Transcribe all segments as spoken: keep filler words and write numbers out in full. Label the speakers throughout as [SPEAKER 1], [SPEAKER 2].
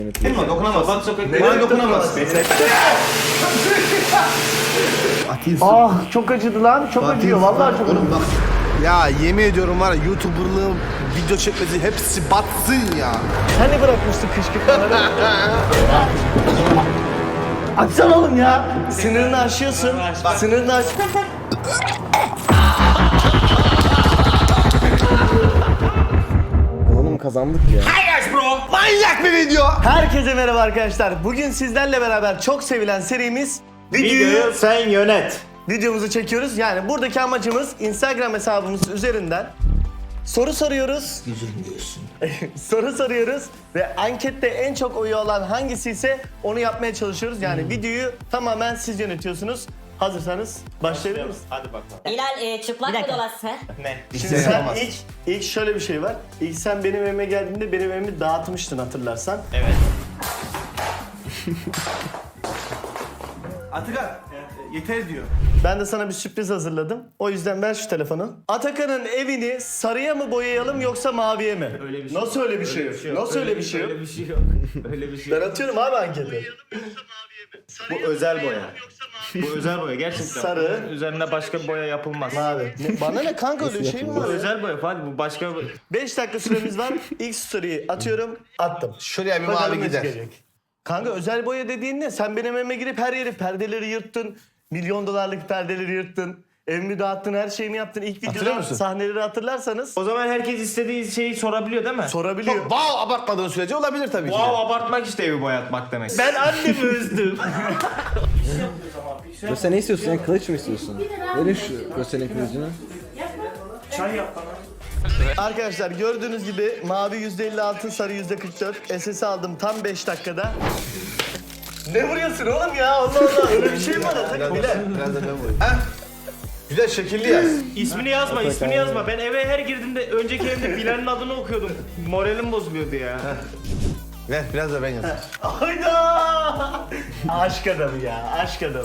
[SPEAKER 1] Dokunma, dokunamaz. Bak sokakta. Bana dokunamaz.
[SPEAKER 2] Ah çok acıdı lan. Çok acıyor. Vallahi çok acıyor.
[SPEAKER 3] Ya yemin ediyorum var ya YouTuber'lığım, video çekmesi hepsi batsın ya.
[SPEAKER 2] Hani bırakmıştık kışkırtmaları? Açsana oğlum ya. Sınırını aşıyorsun. Sınırını aş...
[SPEAKER 4] Oğlum kazandık ya.
[SPEAKER 3] Manyak bir video.
[SPEAKER 2] Herkese merhaba arkadaşlar. Bugün sizlerle beraber çok sevilen serimiz videoyu
[SPEAKER 1] sen yönet.
[SPEAKER 2] videomuzu çekiyoruz. Yani buradaki amacımız Instagram hesabımız üzerinden soru soruyoruz. soru soruyoruz ve ankette en çok oyu olan hangisi ise onu yapmaya çalışıyoruz. Yani videoyu tamamen siz yönetiyorsunuz. Hazırsanız başlayalım mı?
[SPEAKER 1] Hadi bakalım.
[SPEAKER 5] Hilal e, çıplak mı dolaşsa?
[SPEAKER 1] Ne?
[SPEAKER 2] Şimdi sen ilk, ilk şöyle bir şey var. İlk sen benim evime geldiğinde benim evimi dağıtmıştın hatırlarsan.
[SPEAKER 1] Evet. Atakan, yeter diyor.
[SPEAKER 2] Ben de sana bir sürpriz hazırladım. O yüzden ver şu telefonu. Atakan'ın evini sarıya mı boyayalım yoksa maviye mi?
[SPEAKER 1] Öyle bir şey
[SPEAKER 2] Nasıl öyle bir şey yok? Nasıl öyle bir şey yok?
[SPEAKER 1] Öyle bir şey yok. Öyle bir şey
[SPEAKER 2] Ben
[SPEAKER 1] yok.
[SPEAKER 2] atıyorum abi anketi.
[SPEAKER 1] Bu özel boya. Bu özel boya gerçekten.
[SPEAKER 2] Sarı.
[SPEAKER 1] Üzerine başka boya yapılmaz.
[SPEAKER 2] Mavi. Ne- Bana ne kanka öyle bir şey mi
[SPEAKER 1] Bu
[SPEAKER 2] var? ya?
[SPEAKER 1] özel boya Fatih, bu başka
[SPEAKER 2] beş dakika süremiz var. İlk story'i atıyorum. Attım.
[SPEAKER 3] Şuraya bir
[SPEAKER 2] Bakalım
[SPEAKER 3] mavi
[SPEAKER 2] ne
[SPEAKER 3] gider.
[SPEAKER 2] çıkacak. Kanka özel boya dediğin ne? Sen benim evime girip her yeri perdeleri yırttın. Milyon dolarlık perdeleri yırttın. Evimi dağıttın, her şeyimi yaptın. İlk
[SPEAKER 3] Hatırlıyor
[SPEAKER 2] videoda
[SPEAKER 3] musun?
[SPEAKER 2] sahneleri hatırlarsanız
[SPEAKER 1] O zaman herkes istediği şeyi sorabiliyor değil mi?
[SPEAKER 2] sorabiliyor.
[SPEAKER 3] Çok wow abartmadığın sürece olabilir tabii ki.
[SPEAKER 1] Wow, abartmak işte evi boyatmak demek.
[SPEAKER 2] Ben annemi üzdüm.
[SPEAKER 4] Göster ne istiyorsun? Sen kılıç mı istiyorsun? Verin şu gösterin kılıcını.
[SPEAKER 2] Arkadaşlar gördüğünüz gibi mavi yüzde elli altı, sarı yüzde kırk dört. S S aldım tam beş dakikada. Ne vuruyorsun oğlum ya? Allah Allah öyle bir şey mi var? Atakan? Bilal.
[SPEAKER 3] Biraz da ben vurayım. Heh. Güzel şekilli yaz.
[SPEAKER 1] İsmini yazma, ismini yazma. Ben eve her girdiğimde önceki evde Bilal'in adını okuyordum. Moralim bozuluyordu ya.
[SPEAKER 3] Ver biraz da ben yazayım.
[SPEAKER 2] Hayda! Aşk adamı ya, aşk adamı.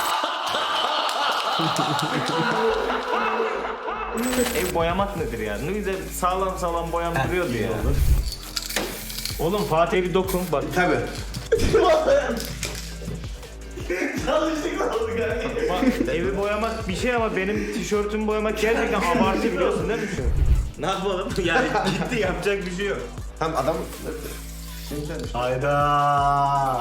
[SPEAKER 1] Ev boyamak nedir ya? Ne güzel sağlam sağlam boyam duruyordu ya. Oğlum Fatih'e bir dokun bak.
[SPEAKER 3] Tabii.
[SPEAKER 2] Yanlışlıkla oldu kanka.
[SPEAKER 1] Bak, evi boyamak bir şey ama benim tişörtümü boyamak gerçekten abartı biliyorsun değil mi şu? Ne yapalım? Yani gitti yapacak bir şey yok.
[SPEAKER 3] Tam adam...
[SPEAKER 2] Hayda!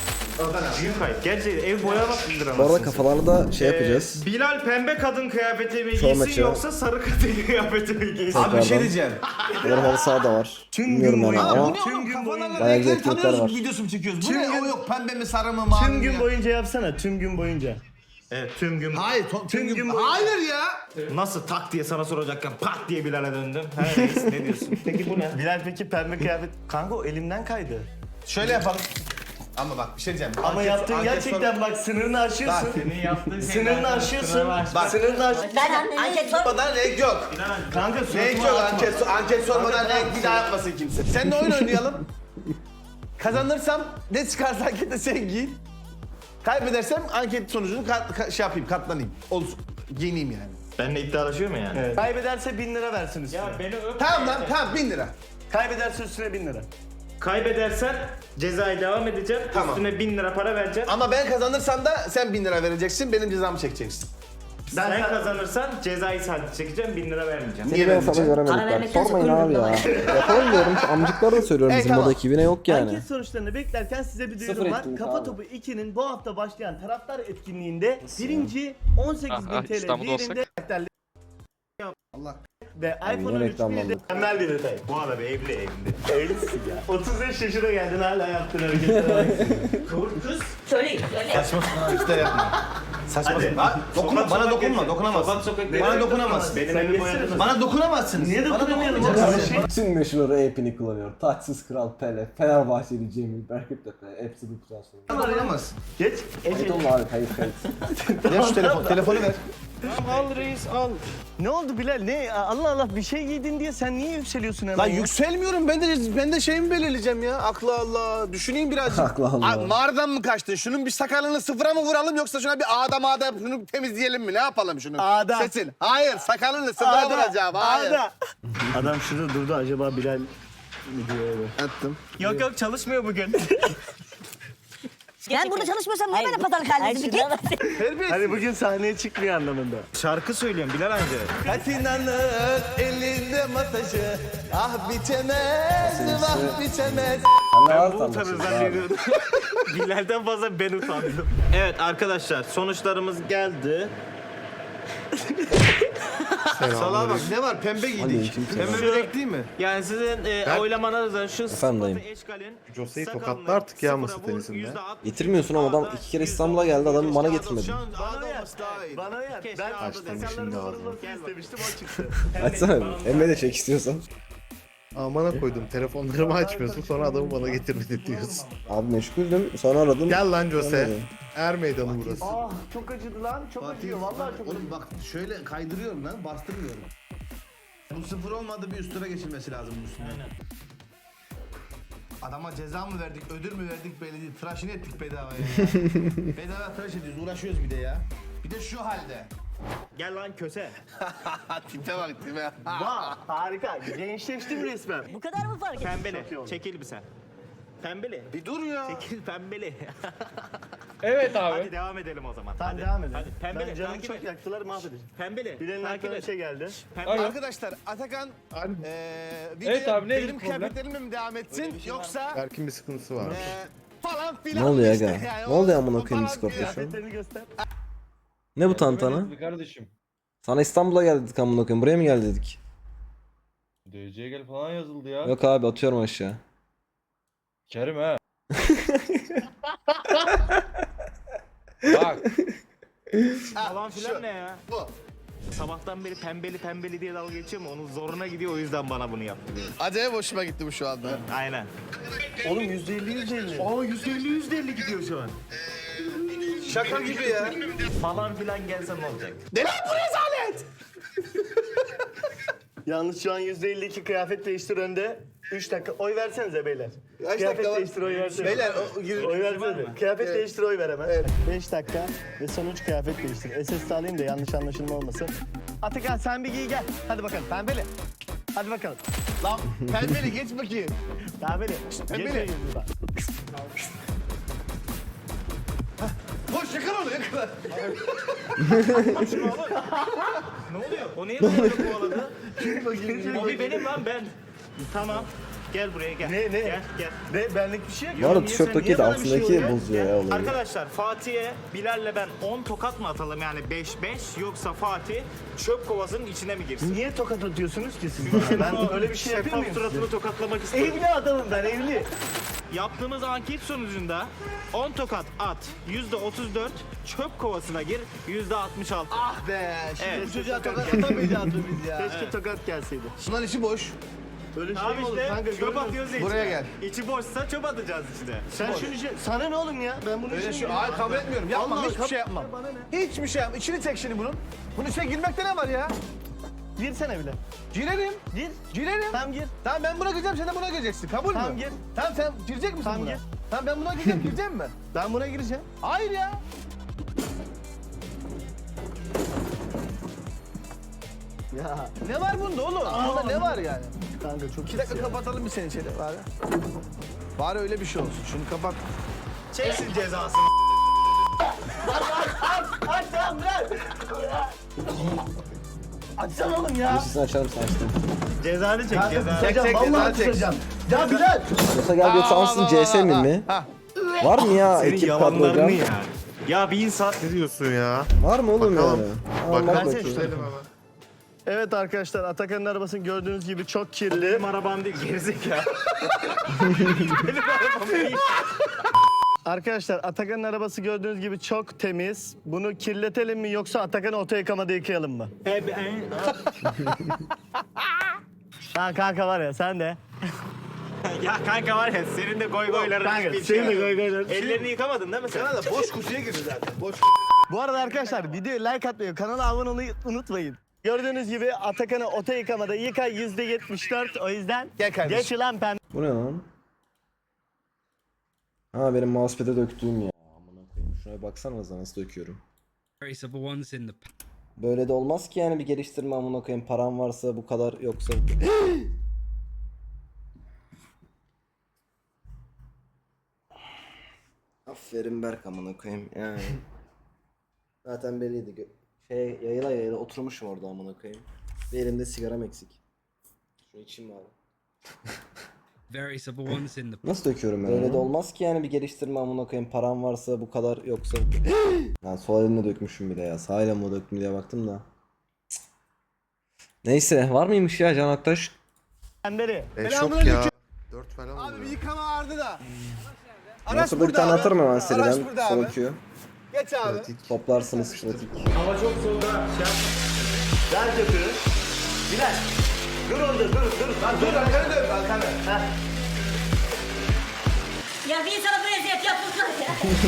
[SPEAKER 1] Büyük kayıp. Gerçekten ev boyamak nedir ama?
[SPEAKER 4] Bu arada kafalarını da şey yapacağız.
[SPEAKER 1] Ee, Bilal pembe kadın kıyafeti mi
[SPEAKER 4] Son
[SPEAKER 1] giysin
[SPEAKER 4] maçı.
[SPEAKER 1] yoksa sarı kadın kıyafeti mi giysin?
[SPEAKER 3] Abi bir şey
[SPEAKER 4] Tekrardan.
[SPEAKER 3] diyeceğim.
[SPEAKER 4] Bunların halı saha da var.
[SPEAKER 2] Tüm
[SPEAKER 4] Bilmiyorum
[SPEAKER 2] gün
[SPEAKER 4] yani
[SPEAKER 2] boyunca-
[SPEAKER 4] ama
[SPEAKER 2] Tüm gün boyunca-
[SPEAKER 4] bayağı güzel etkinlikler var.
[SPEAKER 3] videosu mu çekiyoruz? Bu
[SPEAKER 2] Tüm
[SPEAKER 3] ne?
[SPEAKER 2] gün-
[SPEAKER 3] O yok pembe mi sarı mı mavi
[SPEAKER 2] Tüm
[SPEAKER 3] mi
[SPEAKER 2] gün
[SPEAKER 3] ya?
[SPEAKER 2] boyunca yapsana, tüm gün boyunca.
[SPEAKER 1] Evet tüm gün.
[SPEAKER 3] Hayır, to- tüm,
[SPEAKER 2] gün
[SPEAKER 3] gün,
[SPEAKER 2] boyunca.
[SPEAKER 3] Hayır ya.
[SPEAKER 1] Nasıl tak diye sana soracakken pat diye Bilal'e döndüm. He reis ne diyorsun? Peki bu ne?
[SPEAKER 2] Bilal peki pembe kıyafet... Kanka o elimden kaydı.
[SPEAKER 3] Şöyle yapalım. Ama bak bir şey diyeceğim.
[SPEAKER 2] Ama
[SPEAKER 3] Anket-
[SPEAKER 2] yaptığın
[SPEAKER 3] anket
[SPEAKER 2] gerçekten
[SPEAKER 3] sor-
[SPEAKER 2] bak sınırını aşıyorsun.
[SPEAKER 1] Senin yaptığın
[SPEAKER 2] Sınırını aşıyorsun.
[SPEAKER 3] Bak.
[SPEAKER 2] Sınırını aş...
[SPEAKER 5] Ben anket sor.
[SPEAKER 3] Sormadan renk yok.
[SPEAKER 2] Kanka
[SPEAKER 3] Renk
[SPEAKER 2] suratıma
[SPEAKER 3] yok.
[SPEAKER 2] atma.
[SPEAKER 3] Anket, anket sormadan
[SPEAKER 2] Kanka,
[SPEAKER 3] renk bir daha yapmasın kimse. Seninle oyun oynayalım. Kazanırsam ne çıkarsa ankette sen giy. Kaybedersem anket sonucunu kat, ka- şey yapayım, katlanayım. Olsun. Giyineyim yani.
[SPEAKER 1] Benimle iddialaşıyor mu yani?
[SPEAKER 2] Evet. Kaybederse bin lira versin üstüne.
[SPEAKER 1] Ya beni öp.
[SPEAKER 3] Tamam lan, tamam bin lira.
[SPEAKER 2] Kaybederse üstüne bin lira.
[SPEAKER 1] Kaybedersen cezaya devam edeceğim.
[SPEAKER 3] Tamam.
[SPEAKER 1] Üstüne bin lira para vereceğim.
[SPEAKER 3] Ama ben kazanırsam da sen bin lira vereceksin, benim cezamı çekeceksin.
[SPEAKER 2] Ben
[SPEAKER 1] Sen
[SPEAKER 2] sen-
[SPEAKER 1] kazanırsan cezayı sadece çekeceğim, bin lira vermeyeceğim.
[SPEAKER 3] Niye
[SPEAKER 4] Seni ben sana
[SPEAKER 3] vermeyeceğim?
[SPEAKER 5] Para
[SPEAKER 4] göremedik bak.
[SPEAKER 5] vermekten
[SPEAKER 4] Sormayın abi ya.
[SPEAKER 5] sakın
[SPEAKER 4] Yapalım diyorum. Şu amcıklara da söylüyorum
[SPEAKER 3] Ey,
[SPEAKER 4] bizim
[SPEAKER 3] tamam.
[SPEAKER 4] burada ekibine yok yani.
[SPEAKER 2] Anket sonuçlarını beklerken size bir
[SPEAKER 4] Sıfır
[SPEAKER 2] duyurum var.
[SPEAKER 4] etkinlik
[SPEAKER 2] Kafa
[SPEAKER 4] abi.
[SPEAKER 2] Topu iki'nin bu hafta başlayan taraftar etkinliğinde birinci on sekiz bin
[SPEAKER 6] Ah, ah,
[SPEAKER 2] T L
[SPEAKER 6] İstanbul'da
[SPEAKER 2] değerinde karakterli
[SPEAKER 3] Allah.
[SPEAKER 2] ve iPhone on üç
[SPEAKER 4] reklamlandı.
[SPEAKER 2] de mükemmel bir detay.
[SPEAKER 1] Bu arada bir evli evli.
[SPEAKER 2] Evlisin ya. otuz beş yaşına geldin hala yaptığın hareketlere bak.
[SPEAKER 1] Kız.
[SPEAKER 5] Söyle, söyle.
[SPEAKER 3] İşte yapma. Saçma.
[SPEAKER 1] Hadi.
[SPEAKER 3] Bak, dokunma,
[SPEAKER 1] Sokak
[SPEAKER 3] bana
[SPEAKER 1] sokak
[SPEAKER 3] dokunma,
[SPEAKER 1] gezin.
[SPEAKER 3] dokunamazsın.
[SPEAKER 1] Sokak sokak
[SPEAKER 3] Bana
[SPEAKER 1] gezin.
[SPEAKER 3] dokunamazsın.
[SPEAKER 1] Benim
[SPEAKER 2] Sen
[SPEAKER 1] evi
[SPEAKER 2] geçsene.
[SPEAKER 1] boyadınız.
[SPEAKER 3] Bana dokunamazsınız.
[SPEAKER 2] Niye
[SPEAKER 3] Bana
[SPEAKER 2] dokunamayacaksın
[SPEAKER 3] dokunamazsın.
[SPEAKER 2] kardeşim?
[SPEAKER 4] Tüm meşhur rapini kullanıyor. Taçsız Kral Pele, Fenerbahçeli Cemil, Berkut Tepe. Hepsi bu kuzen sonra.
[SPEAKER 3] Bana dokunamazsın.
[SPEAKER 2] Geç.
[SPEAKER 4] Kayıt
[SPEAKER 2] Ece.
[SPEAKER 4] olma abi kayıt kayıt.
[SPEAKER 3] Ver şu telefonu, telefonu ver.
[SPEAKER 1] Al reis al.
[SPEAKER 2] Ne oldu Bilal? Ne? Allah Allah bir şey giydin diye sen niye yükseliyorsun hemen?
[SPEAKER 3] Lan
[SPEAKER 2] ya?
[SPEAKER 3] yükselmiyorum, ben de ben de şeyimi belirleyeceğim ya. Akla Allah, düşüneyim birazcık.
[SPEAKER 4] Akla Allah.
[SPEAKER 3] Ay, mağaradan mı kaçtın? Şunun bir sakalını sıfıra mı vuralım yoksa şuna bir ağda mağda şunu temizleyelim mi? Ne yapalım şunu?
[SPEAKER 2] Ağda.
[SPEAKER 3] Seçin. Hayır, sakalını sıfıra
[SPEAKER 2] Ağda,
[SPEAKER 3] vuracağım. Hayır.
[SPEAKER 2] ağda. Adam şurada durdu acaba Bilal
[SPEAKER 3] Attım.
[SPEAKER 2] Yok yok çalışmıyor bugün.
[SPEAKER 6] Ben burada çalışmıyorsam niye böyle pazarlık halindesin? Git.
[SPEAKER 3] Terbiyesiz.
[SPEAKER 2] Hani bugün sahneye çıkmıyor anlamında.
[SPEAKER 1] Şarkı söylüyorum Bilal amca.
[SPEAKER 3] Katinanın elinde masajı. Ah bitemez, vah bitemez.
[SPEAKER 4] Sen ne
[SPEAKER 1] Ben
[SPEAKER 4] var
[SPEAKER 1] bu
[SPEAKER 4] tam
[SPEAKER 1] utanır
[SPEAKER 4] başında abi?
[SPEAKER 1] zannediyordum. Bilal'den fazla ben utandım. Evet arkadaşlar sonuçlarımız geldi.
[SPEAKER 3] Salaha bak ne var pembe giydik.
[SPEAKER 4] Aleyküm selam.
[SPEAKER 3] Pembe börek değil mi?
[SPEAKER 1] Yani sizin e, oylamanızda şu
[SPEAKER 4] Efendim dayım.
[SPEAKER 1] sıfatı eşkalin
[SPEAKER 7] Jose'yi
[SPEAKER 1] sakalını
[SPEAKER 7] tokatla artık ya
[SPEAKER 1] sıfıra
[SPEAKER 7] masa
[SPEAKER 1] vur,
[SPEAKER 7] tenisinde.
[SPEAKER 1] yüzde altmış
[SPEAKER 4] Getirmiyorsun ama adam iki kere İstanbul'a geldi, adamı bana getirmedi.
[SPEAKER 1] Şu an
[SPEAKER 2] Bana
[SPEAKER 1] ağda
[SPEAKER 2] yer.
[SPEAKER 1] olması daha iyi.
[SPEAKER 2] Bana yer.
[SPEAKER 1] Keşke
[SPEAKER 2] Ben
[SPEAKER 1] ağda
[SPEAKER 7] Açtım
[SPEAKER 1] desenlerin
[SPEAKER 7] şimdi
[SPEAKER 1] olması
[SPEAKER 7] ağzını.
[SPEAKER 1] Gel bak.
[SPEAKER 2] istemiştim o çıktı.
[SPEAKER 4] Açsana bir. Emre de çek istiyorsan.
[SPEAKER 7] Amana koydum. Telefonlarımı açmıyorsun sonra adamı bana getirmedi diyorsun.
[SPEAKER 4] Abi meşguldüm, sonra aradım.
[SPEAKER 7] Gel lan Jose.
[SPEAKER 4] Gelmedi.
[SPEAKER 7] Er meydanı burası.
[SPEAKER 2] Ah çok acıdı lan. Çok acıyor. Vallahi çok acıyor.
[SPEAKER 3] Oğlum bak şöyle kaydırıyorum lan bastırmıyorum. Bu sıfır olmadı bir üstüne geçilmesi lazım bu üstüne. Adama ceza mı verdik, ödül mü verdik belli değil. Tıraşını ettik bedavaya ya. Bedava tıraş ediyoruz, uğraşıyoruz bir de ya. Bir de şu halde.
[SPEAKER 1] Gel lan köse.
[SPEAKER 3] Tipe bak tipe.
[SPEAKER 2] Vah harika. Gençleştim resmen.
[SPEAKER 6] Bu kadar mı fark ettin?
[SPEAKER 1] Pembeli. Çekil bir sen. Pembeli.
[SPEAKER 3] Bir dur ya.
[SPEAKER 1] Çekil pembeli.
[SPEAKER 8] Evet abi.
[SPEAKER 1] Hadi devam edelim o zaman.
[SPEAKER 2] Tamam
[SPEAKER 1] hadi.
[SPEAKER 2] devam edelim.
[SPEAKER 1] Hadi pembeli.
[SPEAKER 2] Ben canımı
[SPEAKER 1] takip
[SPEAKER 2] çok
[SPEAKER 1] et.
[SPEAKER 2] yaktılar mahvedeceğim.
[SPEAKER 1] Pembeli.
[SPEAKER 2] Bilal'in
[SPEAKER 1] takip
[SPEAKER 2] aklına bir
[SPEAKER 1] et.
[SPEAKER 2] şey geldi.
[SPEAKER 1] Pembeli.
[SPEAKER 3] Arkadaşlar Atakan eee video
[SPEAKER 8] Evet abi, neydi
[SPEAKER 3] benim
[SPEAKER 8] problem?
[SPEAKER 3] kıyafetlerimle mi devam etsin yoksa
[SPEAKER 7] Berk'in bir sıkıntısı var.
[SPEAKER 3] eee falan filan
[SPEAKER 4] Ne oluyor
[SPEAKER 3] işte
[SPEAKER 4] aga?
[SPEAKER 3] yani.
[SPEAKER 4] Ne oluyor
[SPEAKER 3] O-
[SPEAKER 4] amına
[SPEAKER 3] o
[SPEAKER 4] koyayım
[SPEAKER 3] falan
[SPEAKER 4] Discord'da
[SPEAKER 3] filan.
[SPEAKER 4] şu an?
[SPEAKER 2] Kıyafetlerini göster.
[SPEAKER 4] Ne bu tantana?
[SPEAKER 8] Demediniz mi kardeşim?
[SPEAKER 4] Sana İstanbul'a gel dedik amına koyayım. Buraya mı gel dedik?
[SPEAKER 8] D C'ye gel falan yazıldı ya.
[SPEAKER 4] Yok abi, atıyorum aşağı.
[SPEAKER 8] Kerim ha. Bak.
[SPEAKER 1] Falan filan ne ya?
[SPEAKER 3] Bu.
[SPEAKER 1] Sabahtan beri pembeli pembeli diye dalga geçiyor mu? Onun zoruna gidiyor o yüzden bana bunu yaptı diyor.
[SPEAKER 3] Acayip hoşuma gitti bu şu anda.
[SPEAKER 1] Aynen.
[SPEAKER 2] Oğlum yüzde elli yüzde elli.
[SPEAKER 1] Aa yüzde elli yüzde elli gidiyor şu an.
[SPEAKER 3] Şaka gibi ya.
[SPEAKER 1] Falan filan gelse ne olacak?
[SPEAKER 3] Ne lan bu rezalet?
[SPEAKER 2] Yalnız şu an yüzde elli iki kıyafet değiştir önde. üç dakika oy versenize beyler.
[SPEAKER 3] Kaç
[SPEAKER 2] kıyafet
[SPEAKER 3] dakika var?
[SPEAKER 2] değiştir oy versene.
[SPEAKER 3] Beyler o gir-
[SPEAKER 2] Oy versene. Kıyafet
[SPEAKER 3] Evet.
[SPEAKER 2] değiştir oy ver hemen. beş dakika ve sonuç kıyafet değiştir. S S alayım da yanlış anlaşılma olmasın. Atakan sen bir giy gel. Hadi bakalım pembeli. Hadi bakalım.
[SPEAKER 3] Lan pembeli geç bakayım.
[SPEAKER 2] Pembeli.
[SPEAKER 3] Pembeli.
[SPEAKER 2] Geç yüzüne.
[SPEAKER 3] Koş yakala onu yakala.
[SPEAKER 1] Ne oluyor? O niye böyle kovaladı? O bir benim lan ben. Tamam. Gel buraya gel.
[SPEAKER 2] Ne, ne?
[SPEAKER 1] Gel gel.
[SPEAKER 2] Ne benlik bir şey yok.
[SPEAKER 4] Bu arada
[SPEAKER 1] niye sen-
[SPEAKER 4] tişörtteki
[SPEAKER 1] niye
[SPEAKER 4] de
[SPEAKER 1] bana bir şey
[SPEAKER 4] altındaki
[SPEAKER 1] oluyor?
[SPEAKER 4] bozuyor ya olayı.
[SPEAKER 1] Arkadaşlar Fatih'e Bilal'le ben on tokat mı atalım yani beş beş yoksa Fatih çöp kovasının içine mi girsin?
[SPEAKER 2] Niye tokat atıyorsunuz ki siz bana? Ben öyle bir şey yapıyor muyum?
[SPEAKER 1] Suratını tokatlamak istiyorum.
[SPEAKER 2] Evli adamım ben evli.
[SPEAKER 1] Yaptığımız anket sonucunda on tokat at, yüzde otuz dört çöp kovasına gir, yüzde altmış altı.
[SPEAKER 3] Ah be. Şimdi
[SPEAKER 1] Evet.
[SPEAKER 3] bu çocuğa tokat atamayacağız biz ya.
[SPEAKER 2] Keşke tokat gelseydi.
[SPEAKER 3] Bunların içi boş.
[SPEAKER 2] Öyle şey
[SPEAKER 1] Abi
[SPEAKER 2] mi olur
[SPEAKER 1] işte
[SPEAKER 2] kanka?
[SPEAKER 1] çöp
[SPEAKER 2] görmüyor
[SPEAKER 1] atıyoruz ya
[SPEAKER 3] Buraya
[SPEAKER 1] içine.
[SPEAKER 3] gel.
[SPEAKER 1] İçi boşsa çöp atacağız işte.
[SPEAKER 2] Sen şunu şey... Sana ne oğlum ya? Ben bunu
[SPEAKER 3] Öyle
[SPEAKER 2] işim
[SPEAKER 3] şu
[SPEAKER 2] ya.
[SPEAKER 3] hayır kabul etmiyorum. Yapmam
[SPEAKER 2] Allah
[SPEAKER 3] hiçbir
[SPEAKER 2] kabul-
[SPEAKER 3] şey yapmam.
[SPEAKER 2] Bana ne?
[SPEAKER 3] Hiçbir şey yapmam. İçini çek şimdi bunun. Bunun içine girmekte ne var ya?
[SPEAKER 2] Girsene bile.
[SPEAKER 3] Girerim.
[SPEAKER 2] Gir.
[SPEAKER 3] Girerim.
[SPEAKER 2] Tamam gir.
[SPEAKER 3] Tamam ben buna gireceğim sen de buna gireceksin. Kabul mü?
[SPEAKER 2] Tamam, gir.
[SPEAKER 3] Tamam sen girecek misin
[SPEAKER 2] Tamam,
[SPEAKER 3] buna?
[SPEAKER 2] gir.
[SPEAKER 3] Tamam ben buna gireceğim. Gireceğim mi?
[SPEAKER 2] Ben buna gireceğim.
[SPEAKER 3] Hayır ya.
[SPEAKER 2] Ya
[SPEAKER 3] Ne var bunda oğlum? Bunda ne var yani?
[SPEAKER 2] kanka çok
[SPEAKER 3] İki dakika kapatalım bir seni içeri bari. Bari öyle bir şey olsun. Şunu kapat.
[SPEAKER 1] Çeksin cezasını.
[SPEAKER 2] Aç tamam bırak. Açsana oğlum ya.
[SPEAKER 4] Sesini açalım, sen açtın.
[SPEAKER 1] Cezanı çek cezanı.
[SPEAKER 3] Çek, çek,
[SPEAKER 2] Vallahi
[SPEAKER 3] çek.
[SPEAKER 2] tutacağım. Ya Bilal.
[SPEAKER 4] Yoksa gel yoksa ansızın C S mi mi?
[SPEAKER 3] Ha.
[SPEAKER 4] Var mı ya
[SPEAKER 1] Senin
[SPEAKER 4] ekip
[SPEAKER 1] yalanlarını
[SPEAKER 4] kadrogram?
[SPEAKER 1] ya. Ya bir insan
[SPEAKER 7] Ne diyorsun ya?
[SPEAKER 4] Var mı oğlum
[SPEAKER 7] Bakalım.
[SPEAKER 4] yani?
[SPEAKER 7] Bakalım.
[SPEAKER 4] Anlat
[SPEAKER 2] Ben
[SPEAKER 4] bakayım.
[SPEAKER 2] seçtim. Evet arkadaşlar Atakan'ın arabasını gördüğünüz gibi çok kirli.
[SPEAKER 1] benim arabam değil gerizekalı. Benim arabam değil.
[SPEAKER 2] Arkadaşlar Atakan'ın arabası gördüğünüz gibi çok temiz. Bunu kirletelim mi yoksa Atakan'ı oto yıkamada yıkayalım mı?
[SPEAKER 1] E, ben-
[SPEAKER 2] Ha kanka var ya sen de.
[SPEAKER 1] ya kanka var ya senin de goy goyların
[SPEAKER 2] Kanka,
[SPEAKER 1] bir
[SPEAKER 2] senin de
[SPEAKER 1] şey.
[SPEAKER 2] goy goyların.
[SPEAKER 1] Ellerini yıkamadın değil mi sen?
[SPEAKER 3] Sana da boş kutuya girdi zaten. Boş.
[SPEAKER 2] Bu arada arkadaşlar videoya like atmayı, kanala abone olmayı unutmayın. Gördüğünüz gibi Atakan'ı oto yıkamada yıka yüzde yetmiş dört o yüzden
[SPEAKER 3] Gel kardeşim.
[SPEAKER 2] geç ulan pembe.
[SPEAKER 4] Bu ne lan? Ha benim mousepad'e döktüğüm ya. Amına koyayım. Şuna bir baksanıza nasıl döküyorum.
[SPEAKER 9] Trace of the ones in the
[SPEAKER 4] Böyle de olmaz ki yani bir geliştirme amına koyayım. Param varsa bu kadar yoksa. Aferin Berk amına koyayım yani. Zaten belliydi. Gö- Şey yayıla yayıla oturmuşum orada amına koyayım. Bir elimde sigaram eksik. Şunu içeyim bari.
[SPEAKER 9] Very simple ones in the
[SPEAKER 4] Nasıl döküyorum ben? Öyle de olmaz ki yani bir geliştirme amına koyayım. Param varsa bu kadar yoksa. Ben sol elimle dökmüşüm bile ya. Sağ elimle döktüm diye baktım da. Neyse var mıymış ya Can Aktaş?
[SPEAKER 2] Beri.
[SPEAKER 7] E, çok ya. Dört falan
[SPEAKER 3] Abi bir
[SPEAKER 7] oluyor.
[SPEAKER 3] yıkama vardı da.
[SPEAKER 4] Nasıl bir tane atarım hemen seriden.
[SPEAKER 3] Araç burada
[SPEAKER 4] Sol
[SPEAKER 3] abi.
[SPEAKER 4] Q.
[SPEAKER 3] Geç abi.
[SPEAKER 4] Toplarsınız pratik.
[SPEAKER 1] Hava çok soğuk ha. Şey yapma.
[SPEAKER 2] Ver köpüğü. Bilal. Dur orada dur dur. Lan dur.
[SPEAKER 3] Dur arkanı dön arkanı.
[SPEAKER 5] Ya bir insana bu eziyet yapılmaz ya.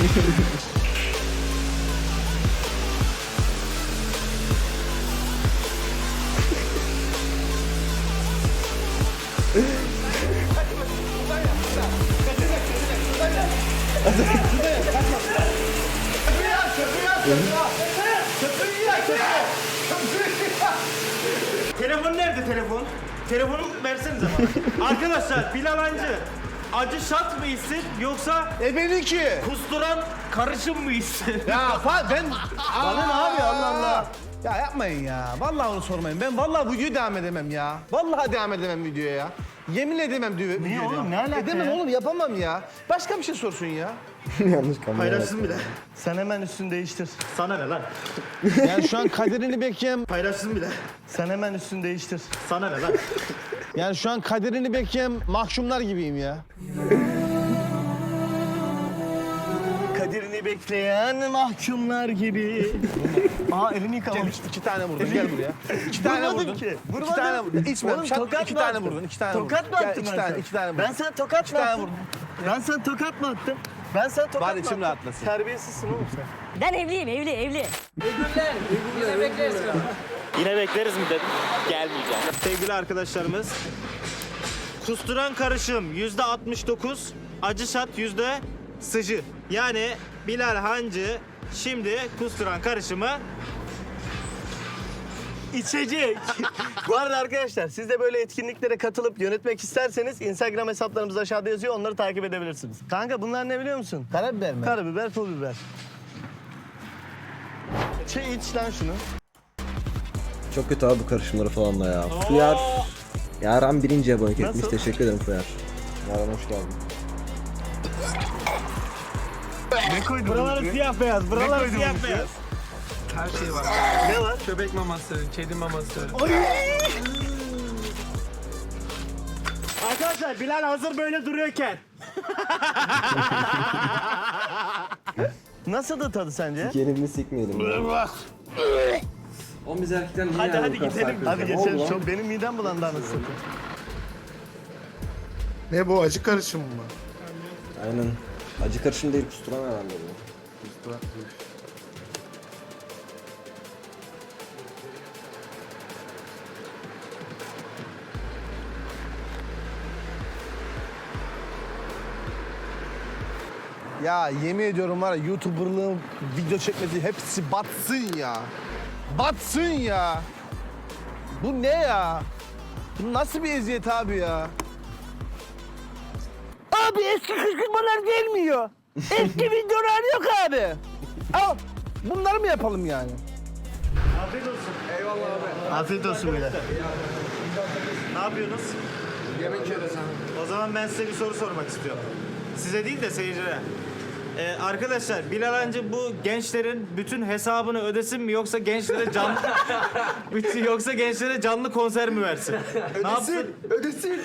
[SPEAKER 1] Telefon nerede telefon? Telefonu versenize bana. Arkadaşlar Bilal Hancı acı şat mı içsin yoksa
[SPEAKER 3] E benimki.
[SPEAKER 1] kusturan karışım mı içsin?
[SPEAKER 3] Ya fa ben...
[SPEAKER 2] Bana ne abi Allah Allah.
[SPEAKER 3] Ya yapmayın ya. Vallahi onu sormayın. Ben vallahi videoya devam edemem ya. Vallahi devam edemem videoya ya. Yemin edemem diyor.
[SPEAKER 2] Niye oğlum, ne alaka
[SPEAKER 3] Edemem
[SPEAKER 2] ya?
[SPEAKER 3] oğlum yapamam ya. Başka bir şey sorsun ya.
[SPEAKER 4] Yanlış kamera.
[SPEAKER 1] Paylaşsın bile.
[SPEAKER 2] Sen hemen üstünü değiştir.
[SPEAKER 1] Sana ne lan?
[SPEAKER 3] Yani şu an kaderini bekleyen...
[SPEAKER 1] Paylaşsın bile.
[SPEAKER 2] Sen hemen üstünü değiştir.
[SPEAKER 1] Sana ne lan?
[SPEAKER 3] Yani şu an kaderini bekleyen mahkumlar gibiyim ya.
[SPEAKER 2] Kaderini bekleyen mahkumlar gibi. Aa elini yıkamamış.
[SPEAKER 3] İki tane vurdun gel buraya. İki tane
[SPEAKER 2] Vurmadım
[SPEAKER 3] vurdun.
[SPEAKER 2] ki.
[SPEAKER 3] İki
[SPEAKER 2] Vurmadım.
[SPEAKER 3] tane vurdun. İçme.
[SPEAKER 2] Oğlum,
[SPEAKER 3] Şat,
[SPEAKER 2] tokat
[SPEAKER 3] iki
[SPEAKER 2] mı
[SPEAKER 3] tane
[SPEAKER 2] attın?
[SPEAKER 3] vurdun. İki tane
[SPEAKER 2] Tokat
[SPEAKER 3] vurdun.
[SPEAKER 2] mı
[SPEAKER 3] Gel,
[SPEAKER 2] attım
[SPEAKER 3] iki
[SPEAKER 2] ben
[SPEAKER 3] tane,
[SPEAKER 2] sana?
[SPEAKER 3] iki tane vurdun.
[SPEAKER 2] Ben sana tokat
[SPEAKER 3] İki
[SPEAKER 2] mı
[SPEAKER 3] tane
[SPEAKER 2] attım?
[SPEAKER 3] vurdun.
[SPEAKER 2] Ben sana tokat mı attım? Ben sana tokat
[SPEAKER 3] Bari
[SPEAKER 2] mı
[SPEAKER 3] içim
[SPEAKER 2] attım?
[SPEAKER 3] rahatlasın.
[SPEAKER 2] Terbiyesizsin oğlum sen.
[SPEAKER 6] Ben evliyim evli evli.
[SPEAKER 1] Yine bekleriz mi dedim. Gelmeyeceğim. Sevgili arkadaşlarımız. Kusturan karışım yüzde altmış dokuz, acı şat yüzde sıcı. Yani Bilal Hancı şimdi kusturan karışımı
[SPEAKER 2] İçecek. Bu arada arkadaşlar siz de böyle etkinliklere katılıp yönetmek isterseniz Instagram hesaplarımız aşağıda yazıyor. Onları takip edebilirsiniz. Kanka bunlar ne biliyor musun?
[SPEAKER 3] Karabiber mi?
[SPEAKER 2] Karabiber, pul biber. Şey iç lan şunu.
[SPEAKER 4] Çok kötü abi bu karışımları falan da ya. Fuyar. Yaran birinci abonelik etmiş.
[SPEAKER 2] Nasıl?
[SPEAKER 4] Teşekkür ederim Fuyar. Yaran hoş geldin.
[SPEAKER 2] Ne koydun?
[SPEAKER 1] buraları siyah beyaz, buraları
[SPEAKER 2] koydun
[SPEAKER 1] siyah
[SPEAKER 2] bunun
[SPEAKER 1] beyaz.
[SPEAKER 10] Her şey var.
[SPEAKER 2] Ne var?
[SPEAKER 10] Köpek maması, kedi maması.
[SPEAKER 1] Arkadaşlar Bilal hazır böyle duruyorken
[SPEAKER 2] Nasıl da tadı sence?
[SPEAKER 4] Gelin sikmeyelim. Ya.
[SPEAKER 10] Oğlum biz erkekler niye
[SPEAKER 2] Hadi
[SPEAKER 10] yani
[SPEAKER 2] hadi
[SPEAKER 10] bu kadar
[SPEAKER 2] gidelim.
[SPEAKER 10] sarkıyoruz
[SPEAKER 2] Hadi
[SPEAKER 10] ya?
[SPEAKER 2] geçelim.
[SPEAKER 4] oldu lan?
[SPEAKER 2] Çok benim midem bulandı anasını satayım.
[SPEAKER 7] Ne bu acı karışım mı?
[SPEAKER 4] Aynen. Acı karışım değil kusturan herhalde bu.
[SPEAKER 3] Ya yemin ediyorum var ya YouTuber'lığım, video çekmesi hepsi batsın ya. Batsın ya. Bu ne ya? Bu nasıl bir eziyet abi ya?
[SPEAKER 2] Abi eski kışkırtmalar gelmiyor. Eski videolar yok abi.
[SPEAKER 3] Al bunları mı yapalım yani?
[SPEAKER 1] afiyet olsun.
[SPEAKER 2] Afiyet olsun bile.
[SPEAKER 1] Ne yapıyorsunuz?
[SPEAKER 10] Yemek yiyoruz abi.
[SPEAKER 1] O zaman ben size bir soru sormak istiyorum. Size değil de seyircilere. Ee, arkadaşlar Bilal Hancı bu gençlerin bütün hesabını ödesin mi yoksa gençlere canlı bütün, yoksa gençlere canlı konser mi versin? Ne yapsın?
[SPEAKER 10] Ödesin.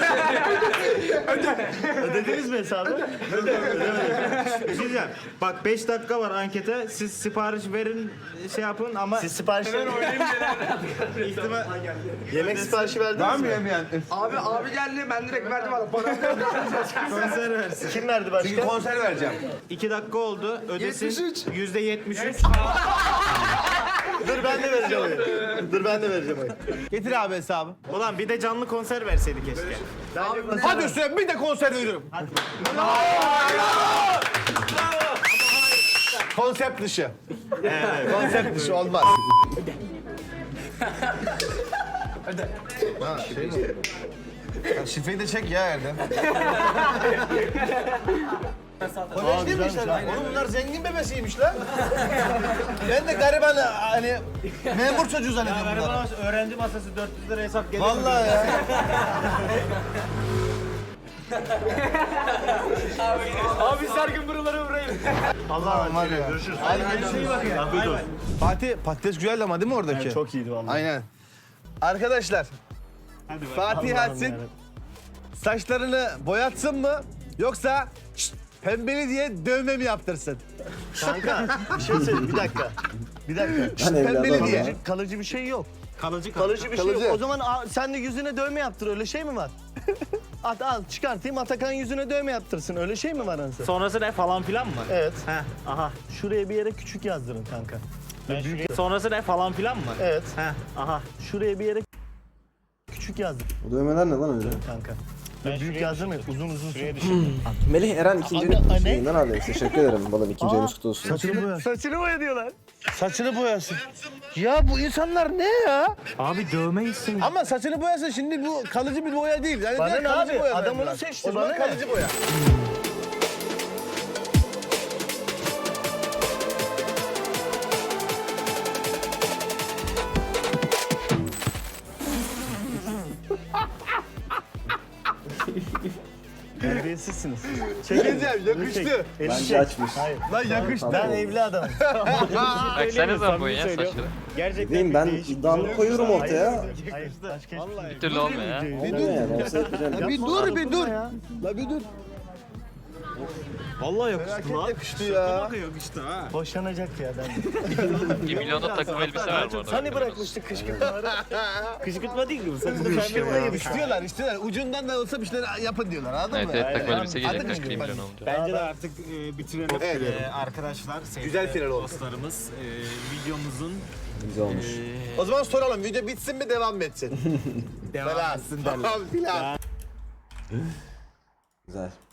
[SPEAKER 2] Ödediniz mi hesabı?
[SPEAKER 1] Bir şey diyeceğim. Bak beş dakika var ankete. Siz sipariş verin şey yapın ama
[SPEAKER 2] Siz sipariş
[SPEAKER 1] ihtimal
[SPEAKER 2] Yemek siparişi verdiniz mi?
[SPEAKER 3] yemeyen?
[SPEAKER 10] Abi abi geldi ben direkt verdim abi. Para
[SPEAKER 1] konser versin.
[SPEAKER 2] Kim verdi başka?
[SPEAKER 3] Konser vereceğim.
[SPEAKER 1] İki dakika oldu. Ödesin.
[SPEAKER 10] yetmiş üç.
[SPEAKER 1] Yüzde yetmiş üç.
[SPEAKER 2] Dur ben de vereceğim oyu. Dur ben de vereceğim oyu.
[SPEAKER 3] Getir abi hesabı.
[SPEAKER 1] Ulan bir de canlı konser verseydi keşke.
[SPEAKER 3] Hadi üstüne bir de konser veriyorum. Konsept dışı.
[SPEAKER 1] Evet.
[SPEAKER 3] Konsept dışı olmaz.
[SPEAKER 7] Ha şey mi?
[SPEAKER 3] Ya şifreyi de çek ya Erdem. Kolej değil mi işte? Oğlum bunlar zengin bebesiymiş lan. Ben de gariban hani memur çocuğu zannediyorum bunları.
[SPEAKER 1] öğrenci masası dört yüz lira hesap geliyor.
[SPEAKER 3] Vallahi ya.
[SPEAKER 10] Abi sargın buraları vurayım.
[SPEAKER 3] Allah'ım var ya. Görüşürüz. Hadi görüşürüz. Afiyet olsun. Fatih patates güzeldi ama değil mi oradaki?
[SPEAKER 2] Çok iyiydi vallahi.
[SPEAKER 3] Aynen. Arkadaşlar Fatih Ersin saçlarını boyatsın mı yoksa şşt, pembeli diye dövme mi yaptırsın?
[SPEAKER 2] Kanka bir şey söyleyeyim bir dakika. Bir dakika.
[SPEAKER 4] Ben evli
[SPEAKER 3] pembeli
[SPEAKER 4] adamım
[SPEAKER 3] diye.
[SPEAKER 4] ya.
[SPEAKER 2] Kalıcı, kalıcı bir şey yok.
[SPEAKER 1] Kalıcı
[SPEAKER 2] Kalıcı bir şey
[SPEAKER 3] Kalıcı.
[SPEAKER 2] yok. O zaman a, sen de yüzüne dövme yaptır öyle şey mi var? At al çıkartayım Atakan yüzüne dövme yaptırsın öyle şey mi var anasını?
[SPEAKER 1] Sonrası ne falan filan mı?
[SPEAKER 2] Evet.
[SPEAKER 1] Heh, aha.
[SPEAKER 2] Şuraya bir yere küçük yazdırın kanka.
[SPEAKER 1] Ben şuraya- Sonrası ne falan filan mı?
[SPEAKER 2] Evet.
[SPEAKER 1] Heh, aha.
[SPEAKER 2] Şuraya bir yere küçük yazdır
[SPEAKER 4] Bu dövmeler ne lan öyle?
[SPEAKER 2] kanka. Ben büyük yazdırmayın uzun uzun.
[SPEAKER 4] Melih Eren ikinci
[SPEAKER 2] Anne, anne.
[SPEAKER 4] şeyinden abi. Teşekkür ederim balım. İkinci ayınız kutlu olsun.
[SPEAKER 2] Saçını boya. Saçını boya diyorlar.
[SPEAKER 3] Saçını boyasın. Ya bu insanlar ne ya?
[SPEAKER 1] Abi dövme isim.
[SPEAKER 3] Ama saçını boyasın şimdi bu kalıcı bir boya değil. Yani
[SPEAKER 2] Bana
[SPEAKER 3] direkt
[SPEAKER 2] ne
[SPEAKER 3] kalıcı
[SPEAKER 2] abi?
[SPEAKER 3] boya
[SPEAKER 2] Adam
[SPEAKER 3] verdiler.
[SPEAKER 2] onu seçti,
[SPEAKER 3] O zaman
[SPEAKER 2] bana ne?
[SPEAKER 3] kalıcı boya.
[SPEAKER 2] Terbiyesizsiniz. Çekin.
[SPEAKER 3] Diyeceğim yakıştı.
[SPEAKER 4] Bence açmış.
[SPEAKER 2] Hayır.
[SPEAKER 3] Lan yakıştı.
[SPEAKER 2] Ben evli adamım.
[SPEAKER 1] Baksanıza bu ya saçları. Gerçekten
[SPEAKER 4] Diyeyim ben
[SPEAKER 1] değişik.
[SPEAKER 4] iddiamı koyuyorum ortaya.
[SPEAKER 2] Hayır. Saç keş.
[SPEAKER 1] Vallahi.
[SPEAKER 9] Bir türlü olmuyor ya.
[SPEAKER 3] Bir
[SPEAKER 4] Olmuyor yani.
[SPEAKER 3] dur.
[SPEAKER 4] Olsa yapacağım.
[SPEAKER 3] Ya bir dur bir dur. La bir dur.
[SPEAKER 1] Vallahi
[SPEAKER 3] Felaket
[SPEAKER 1] yakıştı lan.
[SPEAKER 3] yakıştı ya.
[SPEAKER 1] Bak yakıştı ha.
[SPEAKER 2] Boşanacak ya ben.
[SPEAKER 9] bir milyonda takım elbise var bu arada.
[SPEAKER 2] Hani bırakmıştık kışkırtmaları?
[SPEAKER 1] Kışkırtma değil mi bu? Saçını pembe boyamış.
[SPEAKER 3] İstiyorlar istiyorlar. Ucundan da olsa bir şeyler yapın diyorlar anladın
[SPEAKER 9] Evet
[SPEAKER 3] mı?
[SPEAKER 9] evet takım
[SPEAKER 2] Aynen.
[SPEAKER 9] elbise gelecek
[SPEAKER 3] Anladın
[SPEAKER 9] kaç
[SPEAKER 3] mı?
[SPEAKER 9] milyon olacak.
[SPEAKER 1] Bence de artık e, bitirelim.
[SPEAKER 3] Evet.
[SPEAKER 1] E, arkadaşlar, sevgili
[SPEAKER 3] Güzel final oldu.
[SPEAKER 1] dostlarımız, e, videomuzun
[SPEAKER 4] Güzel olmuş.
[SPEAKER 1] e,
[SPEAKER 3] O zaman soralım video bitsin mi devam mı etsin?
[SPEAKER 1] devam etsin derler.
[SPEAKER 3] Tamam filan.
[SPEAKER 4] Güzel.